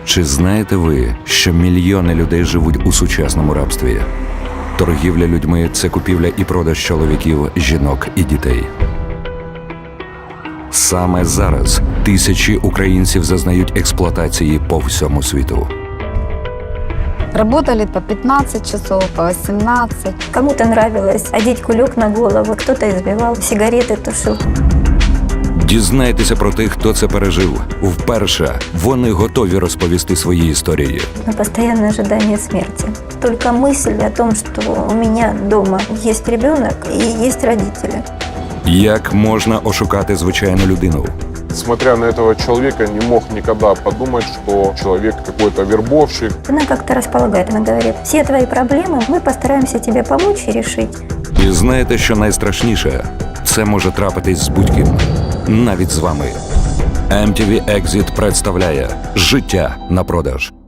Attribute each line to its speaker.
Speaker 1: Чи знаєте ви, що мільйони людей живуть у сучасному рабстві? Торгівля людьми – це купівля і продаж чоловіків, жінок і дітей. Саме зараз тисячі українців зазнають експлуатації по всьому світу.
Speaker 2: Работали по 15 часов, по 18.
Speaker 3: Кому-то нравилось одеть кулек на голову, кто-то избивал, сигареты тушил.
Speaker 1: Дізнайтеся про тих, хто це пережив. Вперше вони готові розповісти свої історії.
Speaker 3: На постоянное ожидание смерти. Только мысль о том, что у меня дома есть ребенок и есть родители.
Speaker 1: Як можна ошукати звичайну людину?
Speaker 4: Смотря на этого человека, не мог никогда подумать, что человек какой-то вербовщик.
Speaker 3: Она как-то располагает, она говорит, все твои проблемы мы постараемся тебе помочь и решить.
Speaker 1: І знаєте, що найстрашніше? Це може трапитись з будь-ким. Навіть з вами. MTV Exit представляє «Життя на продаж».